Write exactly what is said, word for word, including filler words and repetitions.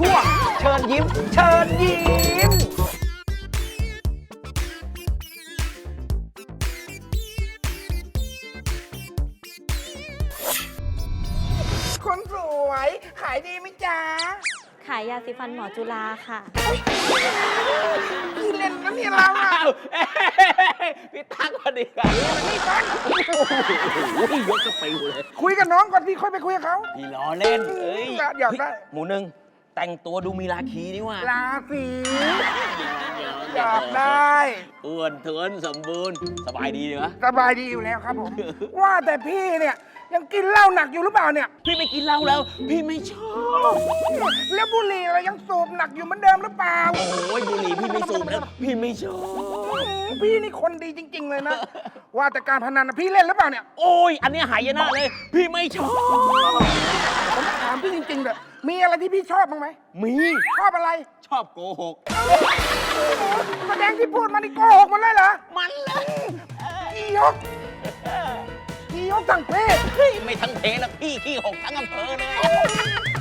ช่วงเชิญยิ้มเชิญยิ้มคนสวยขายดีไหมจ๊ะขายยาสีฟันหมอจุฬาค่ะพี่เล่นนะเนี่ยเราอะพี่ตั๊กพอดีกันนี่ฟังโอ้ยยกกระปิวเลยคุยกับน้องก่อนพี่ค่อยไปคุยกับเขาพี่ล้อเล่นเอ้ยอยากได้หมูหนึ่งแต่งตัวดูมีราคีนี่ว่าราศีอยากได้อ้วนท้วนสมบูรณ์สบายดีเหรอสบายดีอยู่แล้วครับผม ว่าแต่พี่เนี่ยยังกินเหล้าหนักอยู่หรือเปล่าเนี่ยพี่ไม่กินเหล้าแล้ว พี่ไม่ชอบแล้วบุหรี่อะไรยังสูบหนักอยู่เหมือนเดิมหรือเปล่าโอ้ยบุหรี่พี่ไม่สูบแล้ว พี่ไม่ชอบพี่นี่คนดีจริง ๆ เลยนะ ว่าแต่การพนันนะพี่เล่นหรือเปล่าเนี่ยโอ้ยอันเนี้ยหายนะเลย พี่ไม่ชอบผมถามพี่จริงๆเลยมีอะไรที่พี่ชอบบ้างไหมมีชอบอะไรชอบโกหกแสดงที่พูดมานี่โกหกหมันเลยเหรอมันเลยอียกอียกสั่งเพศเฮ้ยไม่ทั้งเพลแล้วพี่ขี้หกทั้งอำเภอเลย